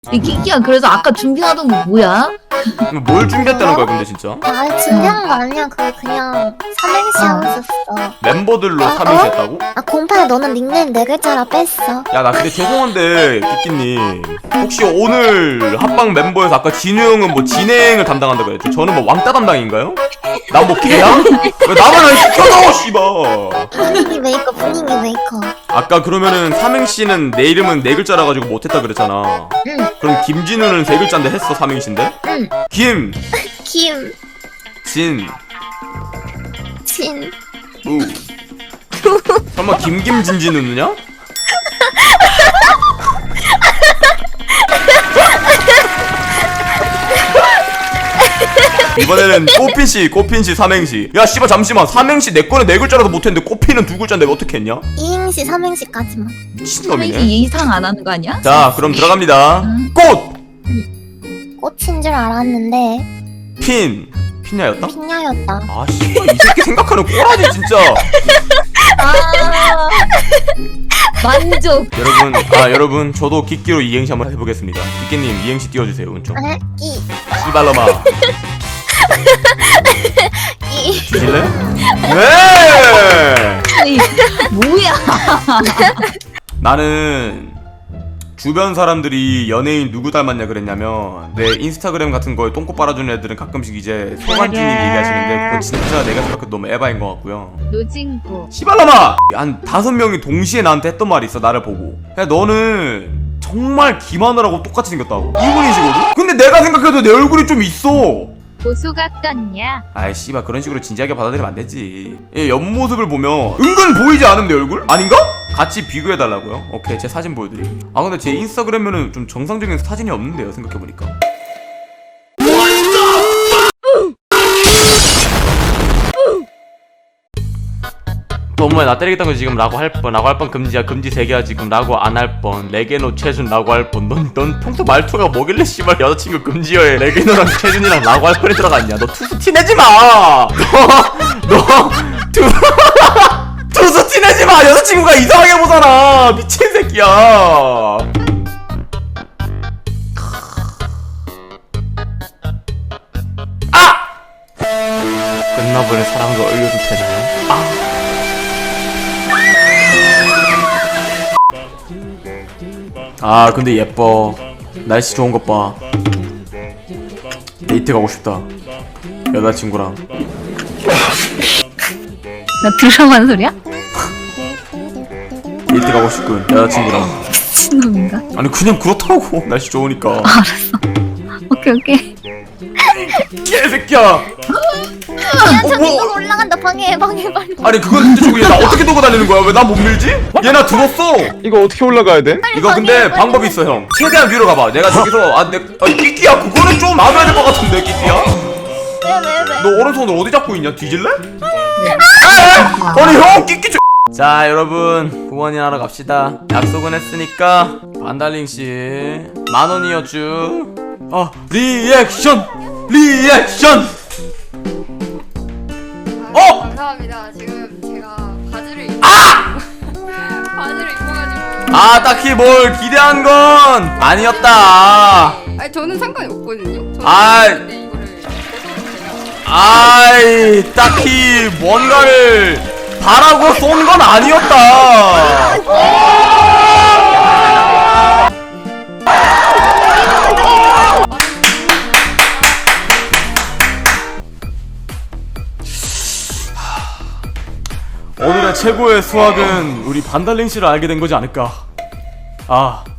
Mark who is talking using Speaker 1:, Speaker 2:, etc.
Speaker 1: 이 키키야, 그래서 아까 준비하던 거 뭐야?
Speaker 2: 뭘 준비했다는 거야 근데 진짜?
Speaker 3: 아 준비한 거 아니야. 그냥 삼행시 하고 있었어.
Speaker 2: 멤버들로 삼행시 했다고?
Speaker 3: 아 공파야 너는 닉네임 4글자라 뺐어.
Speaker 2: 야 나 근데 죄송한데 끼끼님 혹시 오늘 합방 멤버에서 아까 진우 형은 뭐 진행을 담당한다고 했죠? 저는 뭐 왕따 담당인가요? 난 뭐 개야? 왜 나만 안 시켜줘 씨발.
Speaker 3: 분위기 메이커.
Speaker 2: 아까 그러면은 삼행시는 내 이름은 4글자라 가지고 못했다 그랬잖아.
Speaker 3: 응.
Speaker 2: 그럼 김진우는 3글자인데 했어 삼행시인데?
Speaker 3: 응.
Speaker 2: 김
Speaker 3: 김,
Speaker 2: 진
Speaker 3: 진,
Speaker 2: 우 설마 김진우느냐? 이번에는 꽃핀씨 삼행시. 야 씨발 잠시만, 삼행시 내 거는 4글자라도 못했는데 꽃핀은 2글자인데 왜 어떻게 했냐?
Speaker 3: 이행시, 삼행시까지만.
Speaker 2: 미친놈이네.
Speaker 1: 삼행시 이상 안 하는 거 아니야?
Speaker 2: 자 그럼 들어갑니다. 꽃!
Speaker 3: 꽃인 줄 알았는데
Speaker 2: 핀야였다?
Speaker 3: 핀야였다.
Speaker 2: 아 씨발 이 새끼 생각하는 꼬라지 진짜.
Speaker 1: 아, 만족.
Speaker 2: 여러분 저도 기끼로 이행시 한번 해보겠습니다. 기끼님 이행시 띄워주세요. 은총
Speaker 3: 에? 이,
Speaker 2: 씨발로마
Speaker 3: 이.
Speaker 2: 주실래? 네!
Speaker 1: 아니, 뭐야?
Speaker 2: 나는 주변 사람들이 연예인 누구 닮았냐 그랬냐면, 내 인스타그램 같은 거에 똥꼬 빨아주는 애들은 가끔씩 이제 송한준님 얘기하시는데 그건 진짜 내가 생각해도 너무 에바인 것 같고요.
Speaker 1: 노진구.
Speaker 2: 씨발놈아! 한 5명이 동시에 나한테 했던 말이 있어. 나를 보고 야 너는 정말 김하늘하고 똑같이 생겼다고. 이분이시거든? 근데 내가 생각해도 내 얼굴이 좀 있어.
Speaker 1: 고수 같겠냐?
Speaker 2: 아이 씨발 그런 식으로 진지하게 받아들이면 안 되지. 얘 옆모습을 보면 은근 보이지 않음 내 얼굴? 아닌가? 같이 비교해달라고요? 오케이 제 사진 보여드릴게요. 아 근데 제 인스타그램에는 좀 정상적인 사진이 없는데요 생각해보니까. 너무해 나 때리겠다는 거 지금 라고 할 뻔 금지야. 금지 3개야 지금. 라고 안 할 뻔. 레게노 최준 라고 할 뻔. 넌 평소 말투가 뭐길래 씨발 여자친구 금지어에 레게노랑 최준이랑 라고 할 뻔이 들어갔냐. 너 투수 티내지마. 너 투수 티내지마. 여자친구가 이상하게 보잖아. 미친 새끼야. 아! 끝나버린 사랑도 얼려도 되나요? 아! 아 근데 예뻐. 날씨 좋은 것 봐. 데이트 가고 싶다 여자친구랑.
Speaker 1: 나 드라마는 소리야?
Speaker 2: 데이트 가고 싶군 여자친구랑.
Speaker 1: 미친놈인가?
Speaker 2: 아니 그냥 그렇다고. 날씨 좋으니까.
Speaker 1: 오케이.
Speaker 3: 야,
Speaker 2: 개새끼야.
Speaker 3: 저기
Speaker 2: 뭐?
Speaker 3: 이거 올라간다. 방해해, 빨리.
Speaker 2: 아니 그건 진짜 저기 나 어떻게 두고 다니는 거야? 왜 나 못 밀지? 얘 나 들었어.
Speaker 4: 이거 어떻게 올라가야 돼?
Speaker 2: 이거 근데 방법이 있어 형. 최대한 위로 가봐. 내가 저기서 끼끼야 그거는 좀 놔둬야 될 것 같은데 끼끼야.
Speaker 3: 왜?
Speaker 2: 너 오른손을 어디 잡고 있냐? 뒤질래? 아니 형 끼끼. 자 여러분 후원이하러 갑시다. 약속은 했으니까 반달링씨 10,000원이었쥬. 리액션.
Speaker 5: 감사합니다. 지금 제가 바지를 입어가지고.
Speaker 2: 딱히 뭘 기대한 건 아니었다.
Speaker 5: 아니 저는 상관이 없거든요. 저는
Speaker 2: 아이.
Speaker 5: 근데 이거를 벗어도 돼요.
Speaker 2: 아이 딱히 뭔가를 바라고 쏜 건 아니었다. 오늘의 최고의 수학은 우리 반달링 씨를 알게 된 거지 않을까.